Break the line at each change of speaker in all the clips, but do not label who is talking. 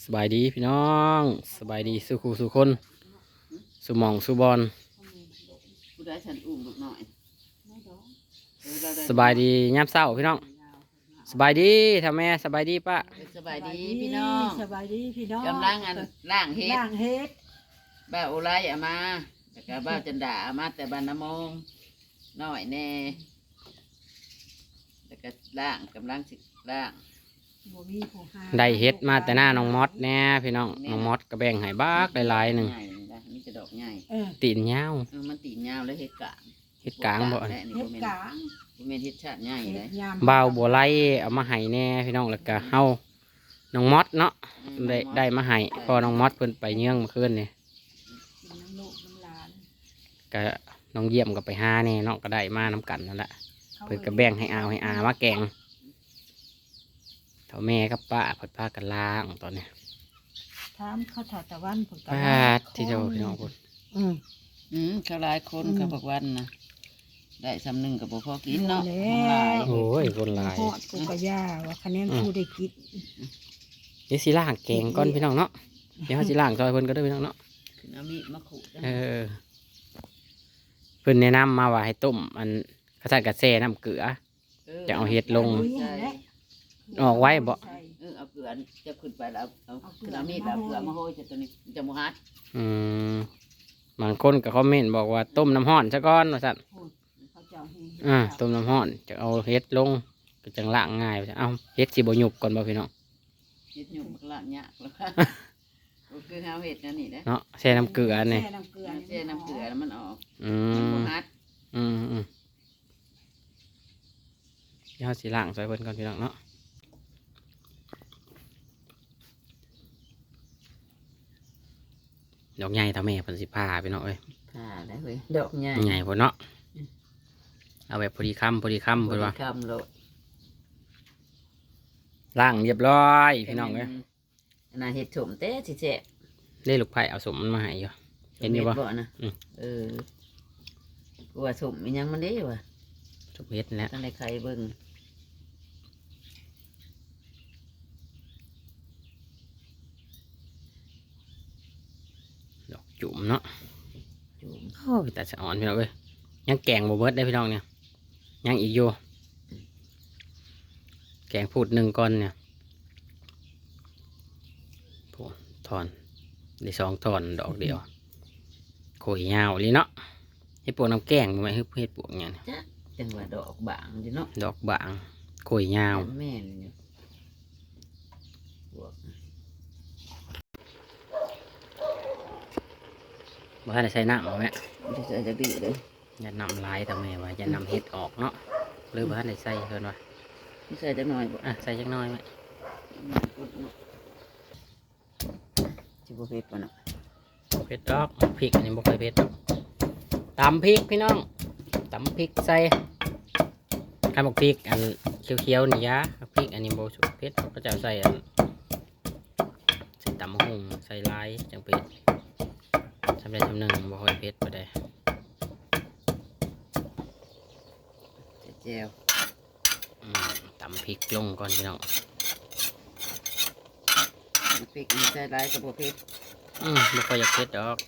สบายดีพี่น้องสบายดีสุขูสุคนสุหมองสุบอล
ผู้ได้ฉันอุ้มลูกหน่อย
สบายดียามเช้าพี่น้องสบายดีทำแม่สบายดีป้า
สบายดีพี่น้อง
สบายดีพี่น้อง
กำลังล่างเฮ็ด
ล่างเฮ็ด
บ้าโอไลเอามาแล้วก็บ้าจันดาเอามาแต่บ้านน้ำมงน้อยแน่แล้วก็ล่างกำลังสิล่าง
บ่มีผู้หา
ได้เฮ็ดมาแต่หน้าน้องมอดแน่พี่น้องน้องมอดก็แบ่งให้บักหลายๆหนึ่ง
ใญ่นะนี่จะดอกใหญ่
ตีนยาว
มันตีนยาวแล้วเฮ็ดกลาง
เฮ็ดกลางบ่
และนี่
เฮ็
บ่
ด
แม่น
กลาง
บ่แม่นเฮ็ดชาติใหญ่เล
เฮ็
ย
ดยาม
บ่าวบัวไล่เอามาให้แน่พี่น้องแล้วก็เฮาน้องมอดเนาะได้มาให้พอน้องมอดเพิ่นไปเยื่องเมื่อคืนนี่
กินน้ำลูกน้ำหลาน
ก็น้องเยี่ยมก็ไปหาแน่เนาะก็ได้มาน้ำกันนั่นแหละเพิ่นก็แบ่งให้อามาแกงเท่าแม่กับป้าเพิ่นพากันล้างตอนนี้
ถามเขาถอดตะวันผล
ป้าที่เจ้าพี่น้องพุ่น
เขาหลายคนเขาบอกวันนะได้สำนึงกับบ่พอกินเนาะหลาย
โอ้ยคนหลาย
ฮอดกูกะย่าว่าคะแนนผู้ได้กิน
เดี๋ยวสิล้างแกงก่อนพี่น้องเนาะเดี๋ยวเขาสิล้างซอยเพิ่นก็ได้อพี่น้องเนาะ
คือน้ำมีดมะขูดจัง
เพิ่นแนะนำมาว่าให้ต้มอันกระสันกระแซ่น้ำเกลือ จะเอาเห็ดลง
ใช่
ออกไว้บ่
เอาเกลือจะขึ้นไปแล้วเอาคือน้ำมีดเอาเกลือมาโรยจะตัวนี้จะมูฮัด
อืมบางคนก็คอมเมนต์บอกว่าต้มน้ำห้อนซะก่อนว่าซั่น
เขาเจ้าให้
ต้มน้ำห้อนจะเอาเห็ดลงก็จังล้างง่ายว่าซั่นเอ้าเห็ดสิบ่หยุบก่อนบ่พี่น้อง
เฮ็ดหยุ่มกละยากแล้วก็คือข้าวเห็ดนั่นนี่นะ
เนาะแช่น้ำเกลือนี่
แช่น้ำเกลือ
แช่น้ำเกลือแล้วมันออก
อื
มู
ม
ฮัด
อืมเดี๋ยวเราสิล้างซอยเพิ่นก่อนพี่น้องเนาะดอกใหญ่เท่าแม่เพิ่นสิพาพี่น้องเอ้ย
ผ่าได้เว้ยดอกใหญ่
ใหญ่พุ่นเนาะเอาแบบพอดีคำเพิ่นว่า
คำโลด
ล้างเรียบร้อยพี่น้องเอ้ย
อันนั้นเห็ดถมเต้สิเจ๊
ได้ลูกไผ่เอาสมมันมาให้อยู่เห็นอยู่บ่
นะ
อืม
กูว่าถมมันยังมันได้วะ
สมเฮ็ดนั่นแหละ
ตั้งแต่ใครเบิ่ง
ดอกจุ่มเนาะ
จุ่ม
โอ้ยแต่สะอ่อนพี่น้องเอ้ยยังแกงบ่เบิดได้พี่น้องเนี่ยยังอีกอยู่แกงพูดหนึ่งก้อนเนี่ยโอ้ถอนได้สองถอนดอกเดียวโขยยาวเลยเนาะให้ปวกน้ำแกงบ่แม่นให้ปวกเนี่ย
จังหวะดอกบางอยู่เนาะ
ดอกบางโขยยาว
แม่นอยู่บวก
บ่ทันได้ใส่น้ำบ่แม่
ที่ใส่จะดีเลย
อย่านำลายทำไมวะอย่านำเห็ดออกเนาะหรือบ่ทันได้ใส่เพิ่นว่า
ที่ใส่จะหน่อยบ่
อ่ะใส่จักหน้อยไหม
จิบเผ็ดป่ะเนาะ
เผ็ดดอกพริกอันนี้บ่ค่อยเผ็ดดอกตำพริกพี่น้องตำพริกใส่ข้าวหมกพริกอันเขียวๆนี่ยะพริกอันนี้บ่สุกเผ็ดเขาก็จะเอาใส่อันใส่ตำมะฮุ่งใส่ลายจังเผ็ดทำได้ทำหนึ่งบ่ค่อยเผ็ดบ่ได้
ใส่แจ่ว
ตำพริกลงก่อนพี่น้อง
พริกอันนี้ใส่หลายกับเผ็ด
บ่ค่อยอยากเผ็ดดอก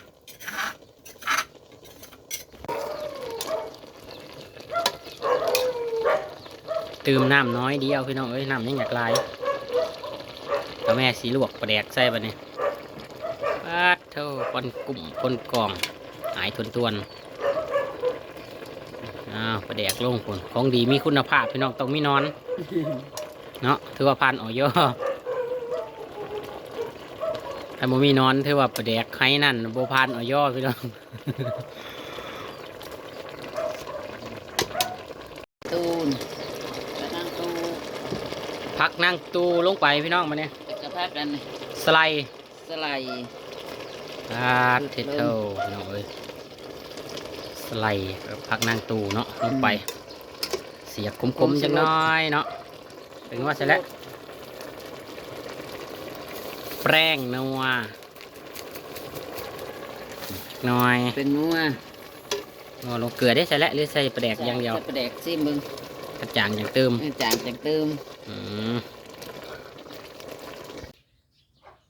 ตื่มน้ำน้อยเดียวพี่น้องเอ้ยน้ำยังอยากลายแล้วแม่สีลวกปลาแดกใส่ปะเนี่ยปาดเท่าคนกลุ่มคนกองหายทวนปลาแดกลงคนของดีมีคุณภาพพี่น้องต้องมีนอน เนาะถือว่าพันออยถ้าบ่มีนอนถือว่าปลาแดกไห้นั่นโบพันออยพี่น้อง
ตูนกระทั่งตู
พักนั่งตูลงไปพี่น้องมาเนี่ย
กระพักกัน
สไลด์
สไลด์
ปาดเทเทิลพี่น้องเอ้ยสไลด์พักนั่งตูเนาะลงไป เสียบคมๆจังน้อยเนาะถึงว่าเสร็จแล้วแป้งนัวน้อย
เป็นนัว
นัวลงเกลือได้ใส่แล้วหรือใส่ปลาแดกอย่างเดียว
ใส่ปลาแดกซิมมึง
กระจ่างอย่างเติม
จางจากเติม
อืม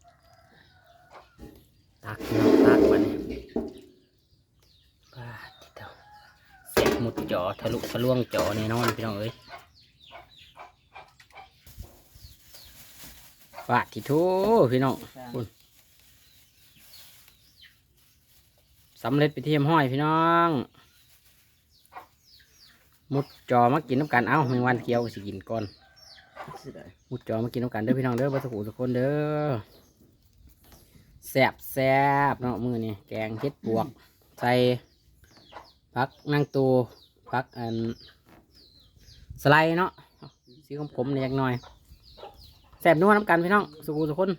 ทะลุทะลวงจอแน่นอนพี่น้องเอ้ยปาดที่ทูพี่น้องคุณสำเร็จไปเทียมห้อยพี่น้องมุดจอมากินน้ำกันเอ้าแมงวันเขียวสิกินก่อนมุดจอมากินน้ำกันเด้อพี่น้องเด้อบัสกุทุกคนเด้อแซ่บแซ่บเนาะมือนี่แกงเห็ดปวกใส่ผักนางตูผักสไลด์เนาะสีขมๆเนี่ยจักหน่อยแซ่บนัวน้ำกันพี่น้องสุกุทุกคน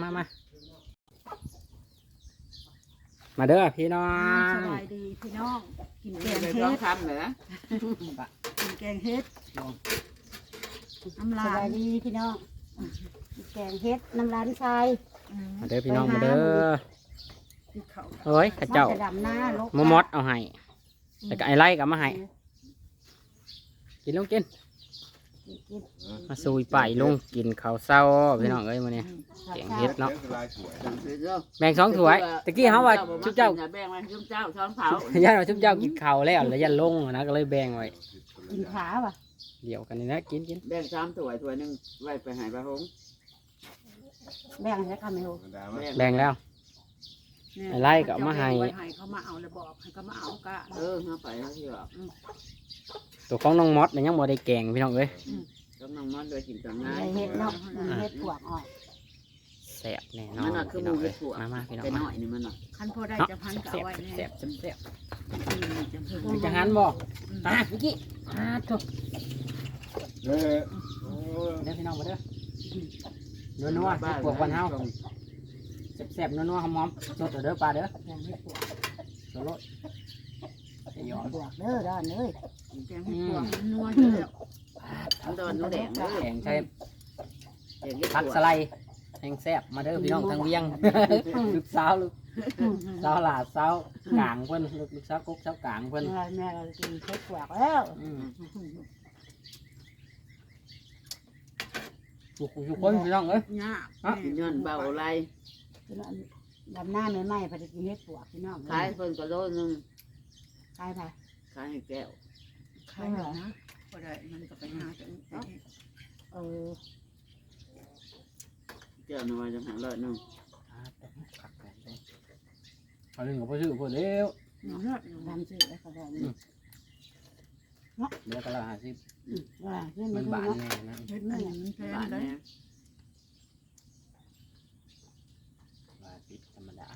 มาเด้อพี่น้อ
ส
ง
บายดีพี่น้องกินแกง
ไป
เฮ็
ร้อง
ด
คำเหรอ
กินแกงเฮ็ดน้ำ
ส
ลา
บาย ยดีพี่น้องแกงเฮ็ดน้ำร้านทราย
มาเด้อพี่น้องมาเด้อ
กินข้าว
เฮ้ยข้าเจ้า
จะดำหน้าลก
มมดเอาให้แล้วก็ไอ้ไล่กับมาให้กินลงกิน
กิน
มาซุยไปลงกินข้าวเศร้าพี่น้องเอ้ยมื้อนี้แกงเฮ็ดเนาะแบ่ง2ถ้วยตะกี้เฮาว่าชุบเจ้า
แบ่งไว้ชุบเจ้าช้อนเผา
ย่าเราชุบเจ้ากินข้าวแล้วแล้วยันลงนะก็เลยแบ่งไว้
กินขาป่ะ
เดี๋ยวกันนี่นะกิน
แบ่ง3ถ้วยถ้วยหนึงไว้ไปให้ป้าหง
แบ่งให้ข้าไม่รู้
แบ่งแล้ว
เนี่ย
ไล่ก็เอามาให้
ไว้ให้เขามาเอาแล้วบอกให้เขามาเอากะ
เออเอาไปแล้วที่ว่า
ตัวของน้องมดเนี่ยยังบ่ได้แกงพี่น้องเอ้ย
ต้องน้องมันด้วยกินกับนาย
เฮ็ดเนาะเฮ็ดปวกอ่อย
แซ่บแน่นอ
มัน นน่ะคือ
พี่
ห มูเห็
น้องเอ้ย
ดถั่ว
มาพี่น้อง
ไปห
มา
น่อยนี่มันน่ะ
คันพอได้
เนาะ
จะพันก็
แซ่
เอา
บ
ไว้แน่
แซ่บแซ่บ
จะเพิ่ม
จะหันบ่พี่กี้ถูกเด้อพี่น้องมาเด้อนัวๆเฮ็ดปวกวันเฮาแซ่บๆนัวๆหอมๆสดเด้อปลาเด้อ
แกงเฮ็ดปวก
สดโลดหยอด
ปวกเด้อด้านเอ้ย
แกงให้พวกนัวอยู่แล้ว
มันโดนนูแดงเลย
แกงใช้
แกงเห็ด
ผัก
ถั่ว
สไลด์แห้งแซ่บมาเด้อพี่น้องทางเวียงลูกสาวลูกสาวหลาสาวกลางเพิ่นลูกสาวกกสาวกลางเพิ่น
แม่เรากินเฮ็ดปวกแล้ว
ทุกคนพี่น้องเอ้ย
ยาก
กินย้อนเบาไร
ดำหน้าใหม่ๆพอดีกินเฮ็ดปวกพี่น้อง
ขายเพิ่นก็โลนึง
ขายไป
ขายให้แก้ว
ใครเหรอนะพอได้มันก็ไปหาจัง
เออ
แก้วน้อยจังหันเลยนึง
เขาเรื่องของพ่อชื่อพ่อเลี้ยว
เนาะ
ดำชื่อแล้วก็ได้
เดี๋ยวก็ละ50
ว่าขึ้น
มั
มาน ดู
บาน
เนาะ
แน่นะ
เฮ็ดนั่นมันแพง
บ้าน
เลย
แม่
ว่าติดธรรมดา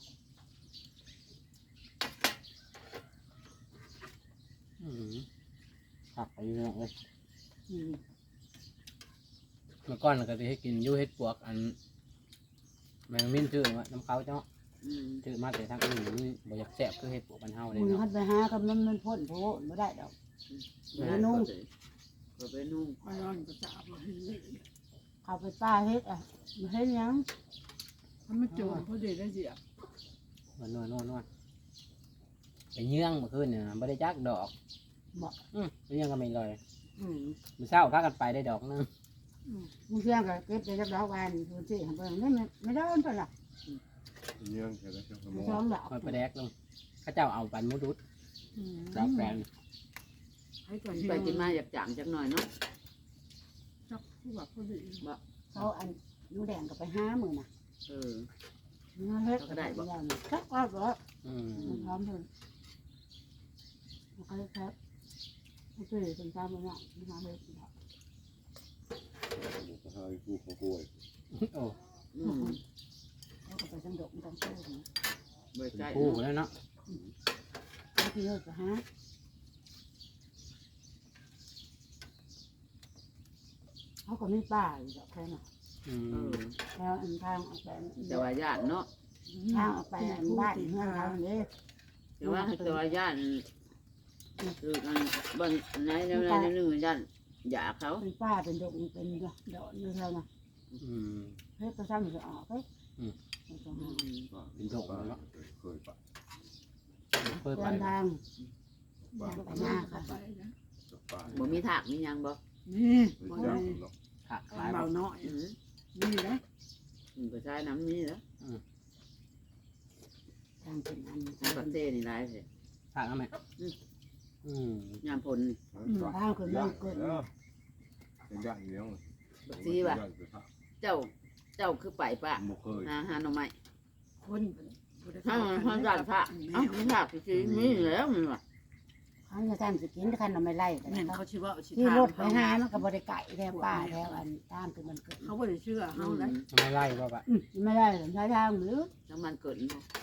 ผักไปเรื่องเลย
อืม
เมื่อก่อนเราก็จะให้กินยูเฮ็ดปวกอันแมงมิ้นชื่อว่าน้ำเขาเจ้าชื่อมาแต่ทางอื่นนี่บ่อยากแซ่บคือเฮ็ดปวกบ้านเฮาเลย
มึง
เนาะ
คัดไปหากับมันพ่นโผล่ไม่ได้ดอก นุ่ง
ก็ไปนุ่ง
ก็ร้อนก็จะเอาไปให้เลย
เขาไปป้าเฮ็ดอ่ะเฮ็ดยัง
ถ้าไม่โจมพอดีได้เสีย
มันนวดไปเยื่องเมื่อคืนเนี่ยบ่ได้จักดอกไปเยื่องก็ไม่ลอย
อืม
มื้อเช้าพากันไปได้ดอกนึง
มึงเชื่อก็เก็บได้จักดอกวันดูสิเบิ่งได้ไม่ได้อันเท่าไหร่
ยังแค่ได้แค่สม
ส
อ
อง งดอก
คอยไปแดกลงเขาเจ้าเอาปันมุดุด
อืม
ดอกแปลน
ให้ก่อน
ไปกินมาอยากจางจักหน่อยเนาะ
จักผู้ว่าพอดี
เขาอันนูแดงก็ไปหามือน่ะ
เออ
เนื้อเฮ็ดจักว่าบ่
อืม
พร้อมเพิ่นเขาครับโอเคเป็นตามมือน่ะมีหาเฮ็ด
ก็ให้กูเขาป่วย
โอ้
เขาก็ไปจังดกจังโตนะ
เบิด
เป็น
ใจ
คู่แล้วเนาะ
เขาที่เฮ็ดก็หาเขาก็มีป้าอยู่ดอกแค่น่ะ
อื
เอ
ม
อ
แล้วอันทางออกไป
แต่ว่าญาติเนาะ
ทางออกไปอันบ้านเฮือนเขาเด้
แต่ว่าแต่ว่าญาติคือกันบางไหนในนึงญาติอยากเขา
เป็นป้าเป็นดกเป็นดอกอยู่แล้วนะ
อืม
เฮ็ดก็ซ้ำจะออกเฮ้ย
เป็นโรคแล้วเนาะ
เคยปะ
เปิด
เดิ
ไป
นทาง
ไปหน้าค่ะไปนะ
กับปลา
บ่มีถากมียังบ่
นี่
ไม่
บ่
จ้า
ได้
หรอก
ขาคล้าย
เบาน้อย
อืม
นี่นะ
ก็ใช้น้ำนี่แล้ว
ทางเป็นอัน
ประเทศนี่หลายสิ
ขาเอาไหม
ยามพล
ข้าวคือมันเกิน
เป็นญาติเลี้ยง
บักซีว่ะเจ้าคือไปปะ
บ่เคย
หาหน่อไม้
คนบ่ได้
ถ้ามันความดันพระเอ้ามันหักสิมีแล้วมันว่ะ
เขาจะทำสิกินคันเราไม่ไล่กัน
แม่น
นะ
เขาชื่อว่าสิ
ที่
ทาง
รถไปหามันก็บริไก่แถวป่าแถวอันตามคือมันเกิด
เขาบ่ได้เชื่อเฮาแล้ว
ไม่ไล่บ่ปะ
ไม่ได้หรอกใช้ทางหรือ
น้ำมันเกิด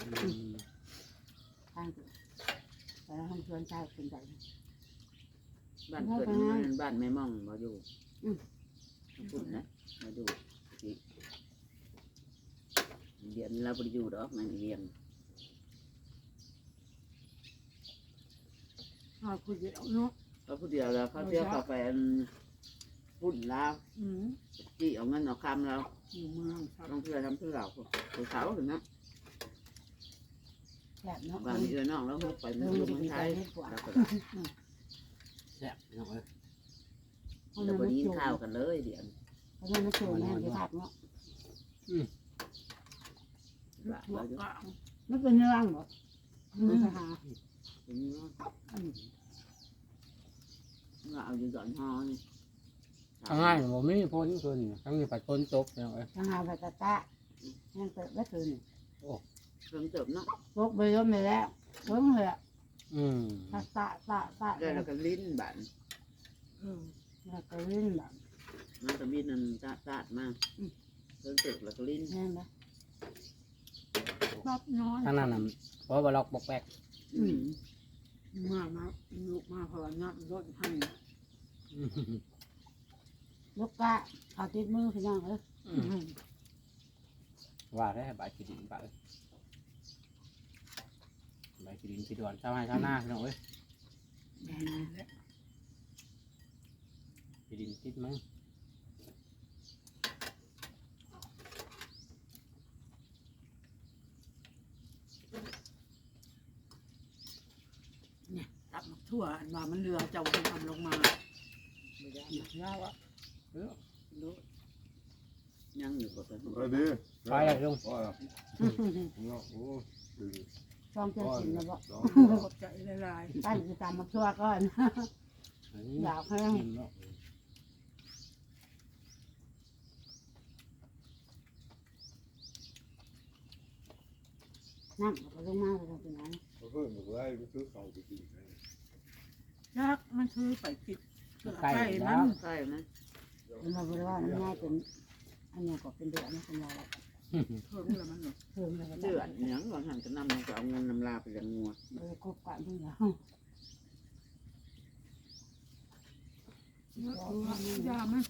ทางเกิดแต่เราทำชวนชายเป็นใจ
บ้านเกิดมันบ้านไม่ม่องมาอยู่พูดนะมาอยู่เรียนเราไปอยู่ดอกมันเรียน
เฮาคุยเดียวเนาะ
เขาพูดเดียวแล้วเขาเที่ยวกาแฟพูดแล้ว
อืม
จี้เอาเงินเอาคำเรา
อยู่เมืองครับ
ต้องเพื่อทำเพื่อเราผู้สาวถึงนะ
แบบเนาะ
บางทีน้องแล้วเขาไป
เรื่
มั
อน ง
ดู
มัน
มัน
ใจ
ใช้
นิดกว่า
แซ่บพี่น้องเอ้ย
เราไปกินข้าวกันเลยเดี๋ยว
เพราะมันสูงแน่ที่ทักเนาะ
หัวก็
มันเป็นเรื่องหรอมันไปหา
เราเอาอยู่ดอนฮอนี่
ทางง่ายบ่มีพ้นคืนทั้งนี้ปัดพ้นตกพี่น้องเอ้ย
ทางหาไปตะตะยังเกิดไม่คืน
เครื่องเติมเนาะ
พกไปล้มไปแล้วเพิ่งเลย ตะตะตะตะ
ได้แล้วก็ลิ้นบ้าน
แล้วก็ลื่นแบบ
น้ำตะบินนั่นตาดมากเครื่องเติมแล้วก็ลิ้น
แน่นนะ
รอบน้อย
ทางนั้นน่ะเพราะว่าล็อกบกแบก
มาลูกมาเพราะว่าน้ำรถให้
ลูกกะเขาติดมือพี่น้องเอ้ย
ว่าได้ใบขี้ดินปะเอ้ยใบขี้ดินขี้ดอนเช้าให้เช้าหน้าพี่น้องเอ้ย
แม่นแล้ว
ขี้ดินติดมั้ง
ตับทั่วอันว่ามันเรือเจ้าทำลงมา
ไม่ได้
ยาวอ่ะ
รู้ยังอยู่กับกัน
เออดี
ไปเลยลุง
ว่าเนาะโอ้ดึง
ช่องเจ้าสินนะบอก
สอง
ขอบใจหลาย
ตั้งจะตามมาชั่วก่อนอยากให้
กินเนาะ
นั่งก็ลงมาเลยเป็นไง
เขาเพิ่มบอกว่าไปซื้อเขาไปกิน
ๆยักษ์มันคือไปกิดใกล้มัน
ใช่ไหม
เป็นมาบริวารง่ายเป็นอันนี้ก็เป็นเดือนนะคุณยาย
เพิ่มแล้วมัน
เพิ่มเลย
เดือดเหนียงก่อนหันจะนำมันจะเอาเงินนำลาไปเลี้ยงงัว
เลยครบกันทุกอย่าง
ยามัน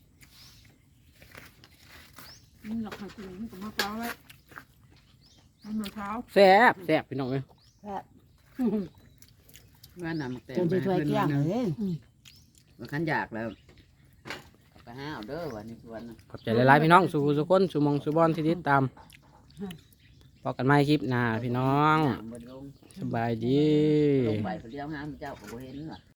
มันหลักหักถึงกับมะพร้าวไว้มะพร้าว
แซ่บแซ่บพี่น้องเอ้ย
แค่
ว่านำแต่
จนจะช่วยเกี่ยงเลย
ว่าขันอยากแล้วก็ห้าเอาเด้อวันนี้วัน
ขอบใจหลายๆพี่น้องสู่สุคนสู่มองสู่บอลที่ติดตามพบกันใหม่คลิปหน้าพี่น้อง
บนลง
สบายดี
ลงไปเลี้ยวห้ามเจ้าก็บ่เห็นว่ะ